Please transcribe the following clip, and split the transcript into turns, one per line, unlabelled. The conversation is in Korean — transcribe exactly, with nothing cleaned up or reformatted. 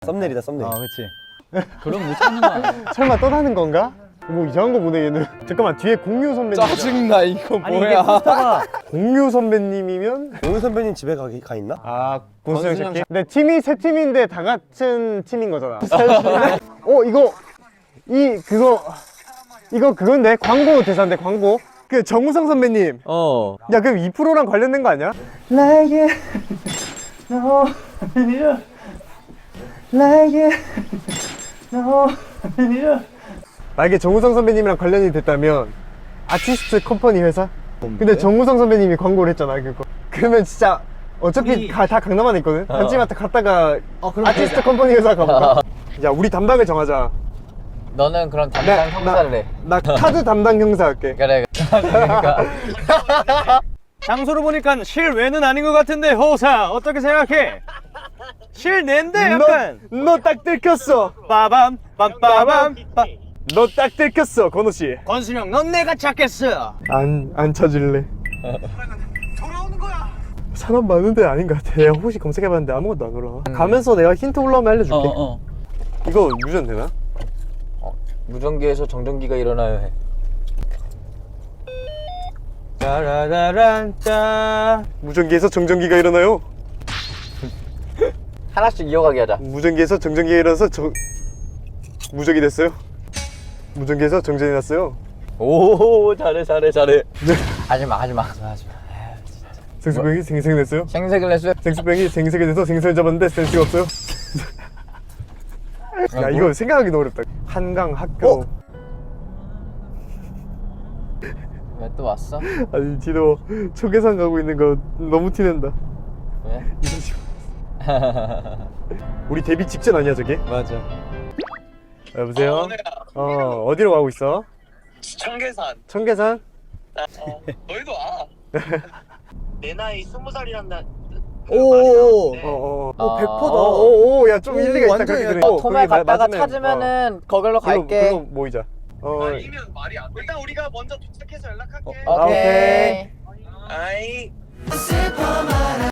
썸네일이다 썸네일.
아 그치. 그럼 못 찾는 거 아니야?
설마 떠나는 건가? 뭐 이상한 거 보네 얘는. 잠깐만 뒤에 공유 선배님.
짜증나 이거
아니 이게
뭐야?
포스터가
공유 선배님이면
용훈 선배님 집에 가, 가 있나?
아 권수영
권수영
새끼. 근데 팀이 세 팀인데 다 같은 팀인 거잖아. 어 이거 이 그거 이거 그건데 광고 대사인데 광고. 그 정우성 선배님.
어
야 그럼 이 프로랑 관련된 거 아니야? 나에게 너 나에게 너 만약에 정우성 선배님이랑 관련이 됐다면 아티스트 컴퍼니 회사? 근데 정우성 선배님이 광고를 했잖아 그거. 그러면 진짜 어차피
우리-
가, 다 강남안에 있거든? 단지마트 갔다가
어, 그럼
아티스트
되자.
컴퍼니 회사 가볼까? 야 우리 담당을 정하자.
너는 그럼 담당 형사를 해.
나 카드 담당 형사 할게.
그래 그러니까
장소로 보니까 실외는 아닌 것 같은데 호사 어떻게 생각해? 실내인데 약간
너 딱 들켰어.
빠밤 빰빠밤 빠.
너 딱 들켰어 건호 씨.
권순영 넌 내가 찾겠어.
안, 안 찾을래.
돌아오는 거야.
사람 많은데 아닌 것 같아. 내가 혹시 검색해봤는데 아무것도 안 올라와. 가면서 내가 힌트 올라오면 알려줄게.
어어
이거 유전 되나?
무전기에서 정전기가 일어나요 해.
짜라라란짜.
무전기에서 정전기가 일어나요.
하나씩 이어가게 하자.
무전기에서 정전기가 일어나서 정... 무적이 됐어요. 무전기에서 정전이 났어요.
오 잘해 잘해 잘해. 하지마 하지마 하지마 하지마.
생수병이 생생됐어요.
생색을 냈어요.
생수병이 생색이 돼서 생선을 잡았는데 센스가 없어요. 야 이거 생각하기 너무 어렵다. 한강 학교.
왜 또 왔어?
아니 디노 초계산 가고 있는 거 너무 티낸다.
왜?
우리 데뷔 직전 아니야 저게?
맞아.
여보세요? 어 어디로 가고 있어?
청계산.
청계산?
어, 너희도 와. 내 나이 스무 살이란 나.
오오오.
네.
어어.
어, 백 퍼다.
오오 야 좀 일리가 있다
완전
그렇게
야,
들으니까.
어, 톰에
거기
갔다가
맞으면,
찾으면은 거길로
어, 그걸로-
갈게.
그걸로 모이자. 어.
아니면 말이 안 돼. 일단 우리가 먼저 도착해서 연락할게.
어, 오케이.
오케이.
아이.